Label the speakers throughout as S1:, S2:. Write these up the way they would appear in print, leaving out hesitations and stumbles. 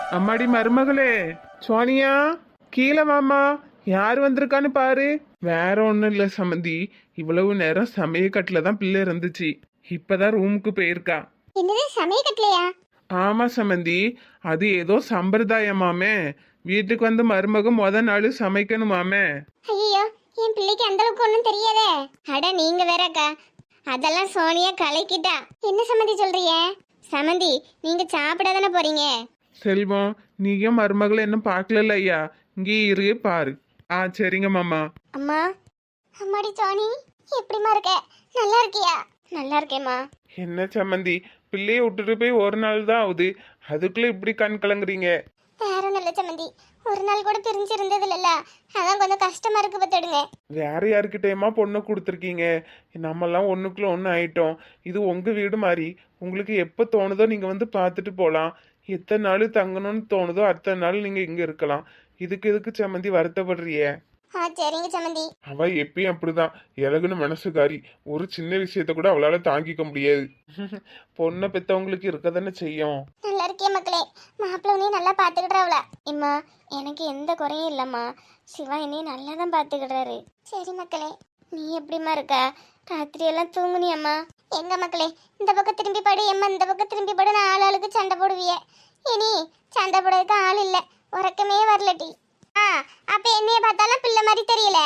S1: அம்மாடி மருமகளே, சோனியா, கீழே வாமா. யார் வந்திருக்கான்னு பாரு. வேற ஒண்ணும் இல்ல சமந்தி, இவ்வளவு நேரம் சமயக்கட்டுல தான் பிள்ளை இருந்துச்சு. இப்பதான் ரூமுக்கு போயிருக்கா.
S2: என்னது சமயக்கட்டலையா?
S1: ஆமா சமந்தி, அது ஏதோ சம்பிரதாயமாமே. வீட்டுக்கு வந்து மருமக நாள் சமைக்கணுமாமே.
S2: ஐயோ, என் பிள்ளைக்கு அந்த அளவுக்கு ஒன்றும் தெரியாதே. அட நீங்க வேறக்கா, அதெல்லாம் சோனியா கலக்கிட்டா. என்ன சம்மந்தி சொல்றீங்க? சமந்தி, நீங்க சாப்பிட தானே போறீங்க?
S1: செல்வம், நீயும் மருமகளை இன்னும் பார்க்கல ஐயா. இங்கே இரு பாரு. சரிங்க மாமா.
S2: அம்மா, அம்மாடி சோனி, எப்படிமா இருக்க? நல்லா இருக்கியா? நல்லா இருக்கேம்மா.
S1: என்ன சம்மந்தி, பிள்ளைய விட்டுட்டு போய் ஒரு நாள் தான் ஆகுது, அதுக்குள்ள இப்படி கண் கலங்குறீங்க?
S2: வேற நல்ல சம்மந்தி, ஒரு நாள் கூட பிரிஞ்சு இருந்தது இல்ல, அதான் கொஞ்சம் கஷ்டமா இருக்கு பத்துடுங்க.
S1: வேற யாருக்கிட்டேயுமா பொண்ணு கொடுத்துருக்கீங்க? நம்மெல்லாம் ஒண்ணுக்குள்ள ஒன்று ஆயிட்டோம். இது உங்க வீடு மாதிரி. உங்களுக்கு எப்போ தோணுதோ நீங்க வந்து பார்த்துட்டு போகலாம். எத்தனை நாள் தங்கணும்னு தோணுதோ அத்தனை நாள் நீங்க இங்க இருக்கலாம். இதுக்கு எதுக்கு சம்மந்தி வருத்தப்படுறிய?
S2: சரிங்க சம்மந்தி.
S1: அவ எப்பயும் அப்படிதான், இலகுன்னு மனசுக்காரி. ஒரு சின்ன விஷயத்த கூட அவளால தாங்கிக்க முடியாது. பொண்ணை பெத்தவங்களுக்கு இருக்கதானே செய்யும்.
S2: நல்லா இருக்கே மக்களே, மாப்பிள்ள உன்னையும் நல்லா பாத்துக்கிட்டாவல. இம்மா, எனக்கு எந்த குறையும் இல்லம்மா. சிவா என்னையும் நல்லா தான் பாத்துக்கிட்டாரு. சரி மக்களே, நீ எப்படிமா இருக்க? ராத்திரி எல்லாம் தூங்குனியம்மா? எங்க மக்களே, இந்த பக்கம் திரும்பி படு எம்மா, இந்த பக்கம் திரும்பி படு. நான் ஆளுக்கு சண்டை போடுவிய. இனி சண்டை போடுறதுக்கு ஆள் இல்ல, உறக்கமே வரலட்டி. அப்ப என்னைய பார்த்தாலும் பிள்ளை மாதிரி தெரியல.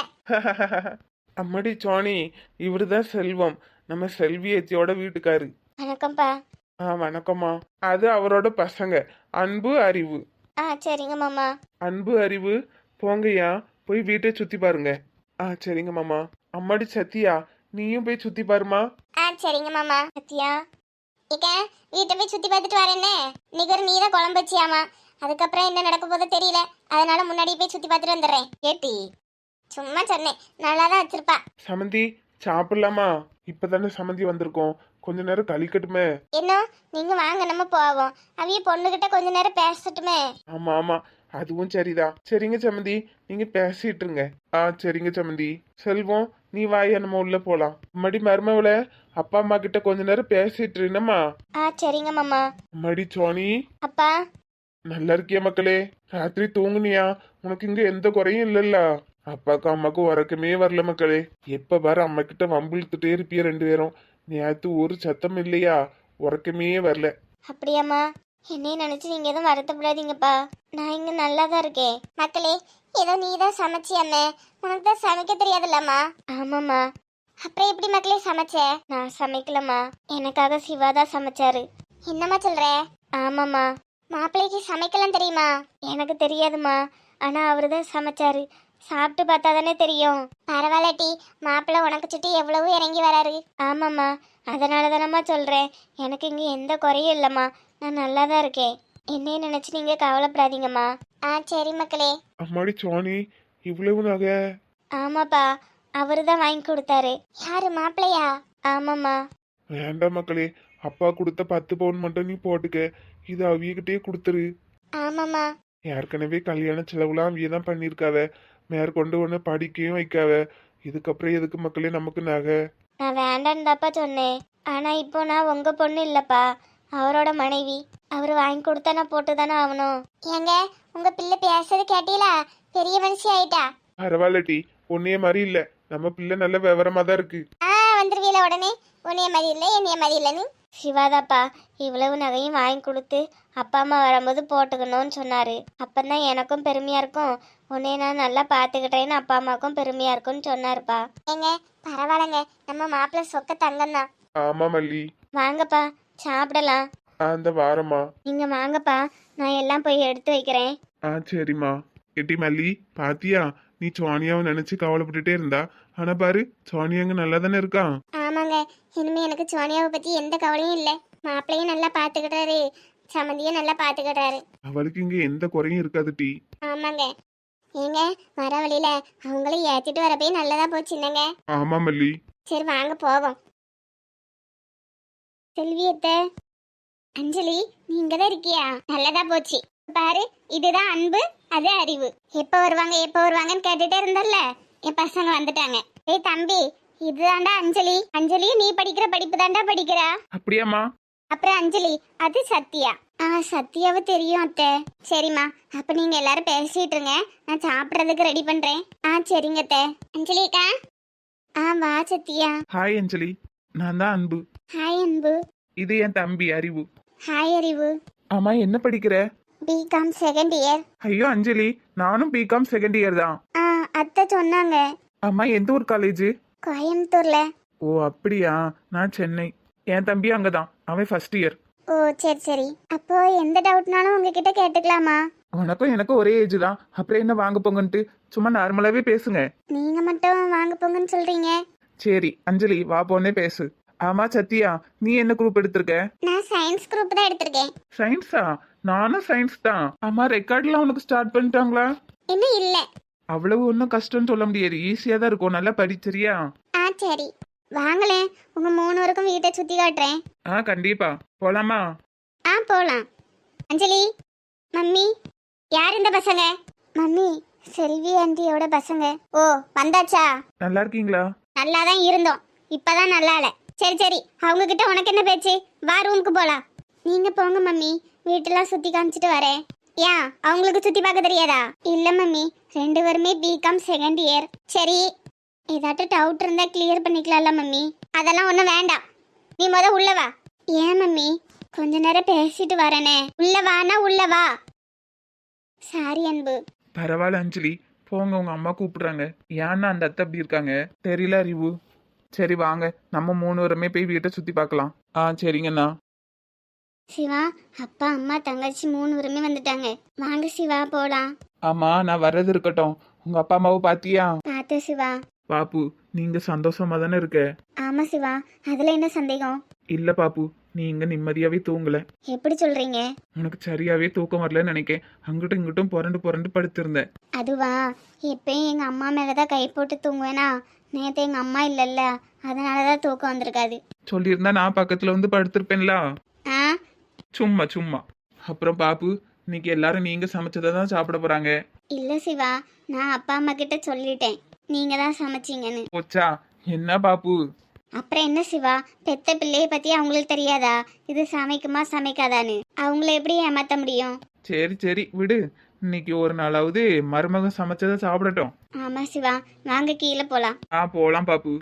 S1: அம்மாடி சோனி, இவருதான் செல்வம், நம்ம செல்வியத்தியோட வீட்டுக்காரு.
S2: வணக்கம்ப்பா.
S1: வணக்கம்மா. அது அவரோட பசங்க, அன்பு அறிவு.
S2: சரிங்க மாமா.
S1: அன்பு அறிவு, போங்கய்யா, போய் வீட்டை சுத்தி பாருங்க. சரிங்க மாமா. அம்மாடி சத்தியா, நீயும் போய் சுத்தி பாருமா.
S2: சரிங்க மாமா. சத்தியா, இக்க வீட்டை போய் சுத்தி பார்த்துட்டு வரேன்னே. நிகர் நீ தான் குழம்பு வச்சியாமா. அதுக்கப்புறம் என்ன நடக்க போதோ தெரியல, அதனால முன்னாடி போய் சுத்தி பார்த்துட்டு வந்துடுறேன். ஏட்டி, சும்மா சொன்னேன், நல்லா தான் வச்சிருப்பா.
S1: சமந்தி, சாப்பிடலாமா? இப்பதானே சமந்தி வந்திருக்கோம், கொஞ்ச நேரம் கழிக்கட்டுமே.
S2: என்ன, நீங்க வாங்க நம்ம போவோம். அவிய பொண்ணுகிட்ட கொஞ்ச நேரம் பேசட்டுமே.
S1: ஆமா ஆமா, அதுவும் சரிதான். சரிங்க சமந்தி, நீங்க பேசிட்டு இருங்க. சரிங்க சமந்தி. செல்வம், நீ வாயா, நம்ம உள்ள போலாம். மடி மருமவள, அப்பா அம்மா கிட்ட கொஞ்ச நேரம் பேசிட்டு இருந்தம்மா.
S2: சரிங்க மாமா.
S1: மடி சோனி.
S2: அப்பா,
S1: நல்லா இருக்கியா மக்களே? ராத்திரி தூங்குனியா? உனக்கு இங்க எந்த குறையும் இல்லல்ல? அப்பாக்கு அம்மாக்கும் உறக்கமே வரல மக்களே. எப்ப பாரு அம்மா கிட்ட வம்பிழுத்துட்டே இருப்பிய ரெண்டு பேரும். நேத்து ஒரு சத்தம் இல்லையா? உறக்கமே வரல.
S2: அப்படியாம்மா? என்னையும் நினைச்சு நீங்க எதுவும் வருத்தப்படாதீங்கப்பா, நான் இங்க நல்லா தான் இருக்கேன். மக்களே, ஏதோ நீ தான் சமைச்சியம்மே, உனக்கு தான் சமைக்க தெரியாதுல்லம்மா? ஆமாம்மா. அப்புறம் எப்படி மக்களே சமைச்ச? நான் சமைக்கலம்மா, எனக்காக சிவா தான் சமைச்சாரு. என்னம்மா சொல்ற? ஆமாம்மா. மாப்பிள்ளைக்கு சமைக்கலாம் தெரியுமா? எனக்கு தெரியாதுமா, ஆனா அவரு தான் சமைச்சாரு. சாப்பிட்டு பார்த்தா தானே தெரியும். பரவாயில்லட்டி, மாப்பிள்ளை உனக்கு சுட்டி எவ்வளவு இறங்கி வராரு. ஆமாம்மா, அதனால தானம்மா சொல்றேன், எனக்கு இங்க எந்த குறையும் இல்லம்மா, நான் நல்லா தான் இருக்கேன். என்னைய நினைச்சு நீங்க கவலைப்படாதீங்கம்மா. சரி மக்களே.
S1: அம்மாடி சோனி, இவ்வளவு நகை?
S2: ஆமாப்பா, அவரு தான் வாங்கி கொடுத்தாரு. யாரு, மாப்பிள்ளையா? ஆமாம்மா.
S1: வேண்டாம் மக்களே, அப்பா கொடுத்த 10 பவுன் மட்டும் நீ போட்டுக்க. இது அவியகிட்டே கொடுத்துரு.
S2: ஆமாம்மா.
S1: ஏற்கனவே கல்யாண செலவுலாம் அவிய தான் பண்ணிருக்காவ, மேற்கொண்டு ஒன்று படிக்கையும் வைக்காவ. இதுக்கப்புறம் எதுக்கு மக்களே நமக்கு நகை?
S2: நான் வேண்டான்னு தாப்பா சொன்னேன், ஆனா இப்போ நான் உங்க பொண்ணு இல்லப்பா, அவரோட மனைவி. அவரு வாங்கி கொடுத்தா நான் போட்டு தானே ஆகணும். ஏங்க, உங்க பிள்ளை பேசுறது கேட்டீங்களா? பெரிய மனுஷி ஆயிட்டா.
S1: பரவாயில்லட்டி, உன்னைய மாதிரி இல்ல, நம்ம பிள்ளை நல்ல விவரமா தான் இருக்கு.
S2: வந்துருவீல உடனே. உன்னைய மாதிரி இல்லை, என்னைய மாதிரி இல்லை. நீ சிவாதாப்பா இவ்வளவு நகையும் வாங்கி கொடுத்து அப்பா அம்மா வரும்போது போட்டுக்கணும்னு சொன்னாரு. அப்பந்தான் எனக்கும் பெருமையா இருக்கும், உன்னைய நான் நல்லா பாத்துக்கிட்டேன்னு அப்பா அம்மாவுக்கும் பெருமையா இருக்கும்னு சொன்னாருப்பா. ஏங்க பரவாயில்லங்க, நம்ம மாப்பிள்ளை சொக்க தங்கம் தான்.
S1: ஆமா மல்லி.
S2: வாங்கப்பா சாப்பிடலாம்.
S1: அந்த வாரமா?
S2: நீங்க வாங்கப்பா, நான் எல்லாம் போய் எடுத்து வைக்கிறேன்.
S1: சரிம்மா. எட்டி மல்லி, பாத்தியா, நீ சோனியாவை நினைச்சு கவலைப்பட்டுட்டே இருந்தா, ஆனா பாரு சோனியாங்க நல்லா தானே இருக்கான்.
S2: ஆமாங்க, இனிமே எனக்கு சோனியாவை பத்தி எந்த கவலையும் இல்லை. மாப்பிள்ளையும் நல்லா பாத்துக்கிட்டாரு, சம்மந்தியும் நல்லா பாத்துக்கிட்டாரு.
S1: அவளுக்கு இங்க எந்த குறையும் இருக்காது டி.
S2: ஆமாங்க. ஏங்க, வர வழியில அவங்களையும் ஏத்திட்டு வரப்பே நல்லதா போச்சுன்னங்க.
S1: ஆமா மல்லி.
S2: சரி வாங்க போவோம். செல்வியத்தை, அஞ்சலி நீங்க தான் இருக்கியா? நல்லதா போச்சு. பாரு, இதுதான் அன்பு, அது அறிவு. எப்ப வருவாங்க எப்ப வருவாங்கன்னு கேட்டுட்டே இருந்தல்ல, என் பசங்க வந்துட்டாங்க. ஏய் தம்பி, இதுதான்டா அஞ்சலி. அஞ்சலி, நீ படிக்கிற படிப்பு தான்டா படிக்கிறா.
S1: அப்படியாம்மா?
S2: அப்புறம் அஞ்சலி, அது சத்யா. சத்யாவை தெரியும் அத்தை. சரிம்மா, அப்ப நீங்க எல்லாரும் பேசிட்டு இருங்க, நான் சாப்பிட்றதுக்கு ரெடி பண்றேன். சரிங்க அத்தை. அஞ்சலிக்கா. வா சத்யா.
S1: ஹாய் அஞ்சலி, நான் தான் அன்பு.
S2: ஹாய் அன்பு.
S1: இது என் தம்பி அறிவு.
S2: ஹாய் அறிவு.
S1: ஆமா, என்ன படிக்கிற?
S2: BCom second year.
S1: ஐயோ அஞ்சலி, நானும் பிகாம் செகண்ட் இயர் தான்.
S2: அத்தை சொன்னாங்க.
S1: ஆமா, எந்த ஊர் காலேஜ்?
S2: கோயம்புத்தூர்ல.
S1: ஓ அப்படியா, நான் சென்னை. என் தம்பி அங்கதான், அவன் ஃபர்ஸ்ட் இயர்.
S2: ஓ சரி சரி. அப்போ எந்த டவுட்னாலும் உங்ககிட்ட கேட்டுக்கலாமா?
S1: உனக்கும் எனக்கும் ஒரே ஏஜ் தான், அப்புறம் என்ன வாங்க போங்கன்ட்டு சும்மா நார்மலாவே பேசுங்க.
S2: நீங்க மட்டும் வாங்க போங்கன்னு சொல்றீங்க.
S1: சரி அஞ்சலி, வா போனே பேசு. ஆமா சத்யா, நீ என்ன குரூப் எடுத்திருக்க?
S2: நான் சயின்ஸ் குரூப் தான் எடுத்திருக்கேன்.
S1: சயின்ஸா? நானும் சயின்ஸ் தான். ஆமா, ரெக்கார்ட்லாம் உனக்கு ஸ்டார்ட் பண்ணிட்டாங்களா?
S2: இன்னும் இல்ல.
S1: அவ்வளவு ஒன்றும் கஷ்டம்னு சொல்ல முடியாது, ஈஸியா தான் இருக்கும். நல்லா படிச்சிரியா?
S2: சரி வாங்களேன், உங்க 3 பேருக்கும் வீட்டை சுத்தி காட்டுறேன்.
S1: கண்டிப்பா. போலாமா?
S2: போலாம். அஞ்சலி, மம்மி, யார் இந்த பசங்க? மம்மி, செல்வி ஆண்டியோட பசங்க. ஓ வந்தாச்சா?
S1: நல்லா இருக்கீங்களா?
S2: நல்லா தான் இருந்தோம், இப்பதான் நல்லா இல்ல. சரி சரி, அவங்க கிட்ட உனக்கு என்ன பேச்சு? வா ரூமுக்கு போலாம். நீங்க போங்க மம்மி, வீட்டெல்லாம் சுத்தி காமிச்சிட்டு வரேன். ஏன் அவங்களுக்கு சுத்தி பார்க்க தெரியாதா? இல்ல மம்மி, 2 பேருமே பிகாம் செகண்ட் இயர். சரி, ஏதாட்டும் டவுட் இருந்தா கிளியர் பண்ணிக்கலாம்ல மம்மி? அதெல்லாம் ஒன்றும் வேண்டாம், நீ உள்ள வா. ஏன் மம்மி? கொஞ்ச நேரம் பேசிட்டு வரேனே. உள்ள வானா உள்ள வா. சாரி அன்பு.
S1: பரவாயில்ல அஞ்சலி, போங்க, உங்க அம்மா கூப்பிடுறாங்க. ஏன்னா அந்த அத்தை அப்படி இருக்காங்க தெரியல அறிவு. சரி வாங்க, நம்ம 3 பேருமே போய் வீட்டை சுத்தி பார்க்கலாம். சரிங்கண்ணா.
S2: சிவா, அப்பா அம்மா தங்கச்சி 3 பேருமே வந்துட்டாங்க. வாங்க சிவா போலாம்.
S1: ஆமா, நான் வர்றது இருக்கட்டும். உங்க அப்பா அம்மாவை பாத்தியா?
S2: பாத்து சிவா.
S1: பாப்பு, நீங்க சந்தோஷமா தானே இருக்க?
S2: ஆமா சிவா, அதுல என்ன சந்தேகம்?
S1: இல்ல பாப்பு, நீ இங்க நிம்மதியாவே தூங்கல.
S2: எப்படி சொல்றீங்க?
S1: உனக்கு சரியாவே தூக்கம் வரலன்னு நினைக்கேன். அங்கிட்டும் இங்கிட்டும் புரண்டு புரண்டு படுத்திருந்தேன்.
S2: அதுவா, எப்பயும் எங்க அம்மா மேலதான் கை போட்டு தூங்குவேனா. நேத்து எங்க அம்மா இல்லல்ல, அதனாலதான் தூக்கம் வந்திருக்காது.
S1: சொல்லியிருந்தா நான் பக்கத்துல வந்து படுத்திருப்பேன்ல.
S2: ஆ
S1: சும்மா சும்மா. அப்புறம் பாப்பு, இன்னைக்கு எல்லாரும் நீங்க சமைச்சதை தான் சாப்பிட போறாங்க.
S2: இல்ல சிவா, நான் அப்பா அம்மா கிட்ட சொல்லிட்டேன் நீங்க தான் சமைச்சீங்கன்னு.
S1: போச்சா? என்ன பாப்பு?
S2: அப்புறம் என்ன சிவா, பெத்த பிள்ளைய பத்தி அவங்களுக்கு தெரியாதா இது சமைக்குமா சமைக்காதான்னு? அவங்கள எப்படி ஏமாத்த முடியும்?
S1: சரி சரி விடு, இன்னைக்கு ஒரு நாளாவது மருமகன் சமைச்சதை சாப்பிடட்டும்.
S2: ஆமா சிவா, வாங்க கீழே போலாம்.
S1: போலாம் பாப்பு.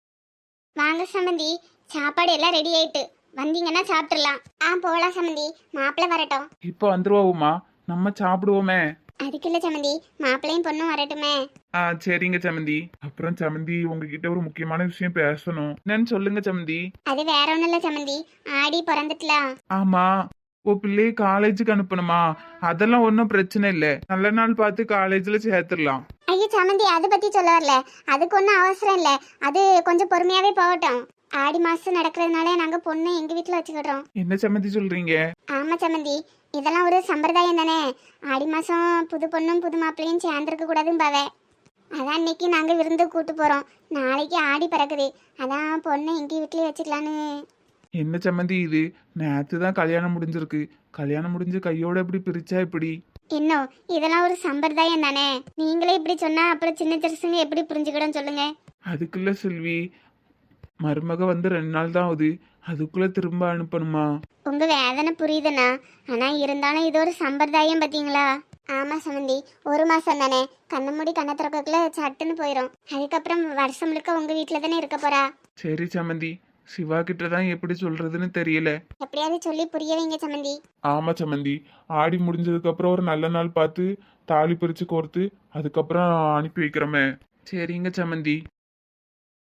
S2: வாங்க சம்மந்தி, சாப்பாடு எல்லாம் ரெடி ஆயிட்டு, வந்தீங்கன்னா சாப்பிட்டுலாம். போலாம் சம்மந்தி, மாப்பிள்ளை வரட்டும்.
S1: இப்போ வந்துருவோமா? நம்ம சாப்பிடுவோமே.
S2: அதுக்குள்ள சம்மந்தி, மாப்பிள்ளையும் பொண்ணும் வரட்டுமே.
S1: சரிங்க சமந்தி. அப்புறம் சமந்தி, உங்ககிட்ட ஒரு முக்கியமான விஷயம் பேசணும். என்னன்னு சொல்லுங்க சமந்தி.
S2: அது வேற ஒண்ணும் இல்ல சம்மந்தி, ஆடி பிறந்துட்டலாம்.
S1: ஆமா, ஓ பிள்ளைய காலேஜுக்கு அனுப்பணுமா? அதெல்லாம் ஒன்றும் பிரச்சனை இல்லை, நல்ல நாள் பார்த்து காலேஜ்ல சேர்த்துடலாம்.
S2: ஐயோ சம்மந்தி, அதை பத்தி சொல்ல வரல, அதுக்கு ஒன்றும் அவசரம் இல்லை, அது கொஞ்சம் பொறுமையாவே போகட்டும். ஆடி மாசம் நடக்கிறதுனால நாங்க பொண்ணு எங்க வீட்டுல வச்சுக்கிடுறோம்.
S1: என்ன சமந்தி சொல்றீங்க?
S2: ஆமா சம்மந்தி, இதெல்லாம் ஒரு சம்பிரதாயம் தானே. ஆடி மாசம் புது பொண்ணும் புது மாப்பிள்ளையும் சேர்ந்துருக்க கூடாதுன்னு பாவே. அதான் இன்னைக்கு நாங்க விருந்து கூட்டு போறோம். நாளைக்கு ஆடி பிறக்குது, அதான் பொண்ணை எங்க வீட்லயே வச்சுக்கலான்னு.
S1: என்ன சம்மந்தி இது? நேற்று தான் கல்யாணம் முடிஞ்சிருக்கு. கல்யாணம் முடிஞ்சு கையோட எப்படி பிரிச்சா எப்படி?
S2: இன்னும் இதெல்லாம் ஒரு சம்பிரதாயம் தானே. நீங்களே இப்படி சொன்னா அப்புறம் சின்ன சிறுசுங்க எப்படி புரிஞ்சுக்கிடும் சொல்லுங்க.
S1: அதுக்குள்ள செல்வி, மருமக வந்து 2 நாள் தான் ஆகுது, அதுக்குள்ள திரும்ப அனுப்பணுமா?
S2: உங்க வேதனை புரியுதுண்ணா, ஆனா இருந்தாலும் இது ஒரு சம்பிரதாயம் பாத்தீங்களா? ஆமா சமந்தி, 1 மாசம் தானே, கண்ணை மூடி கண்ணை திறக்கக்குள்ள சட்டுன்னு போயிடும். அதுக்கப்புறம் வருஷம் முழுக்க உங்க வீட்டுல தானே இருக்க போறா.
S1: சரி சமந்தி, சிவா கிட்ட தான் எப்படி சொல்றதுன்னு தெரியல.
S2: எப்படியாவது சொல்லி புரிய வைங்க சமந்தி.
S1: ஆமா சமந்தி, ஆடி முடிஞ்சதுக்கு அப்புறம் ஒரு நல்ல நாள் பார்த்து தாலி பிரிச்சு கோர்த்து அதுக்கப்புறம் அனுப்பி வைக்கிறோமே. சரிங்க சமந்தி.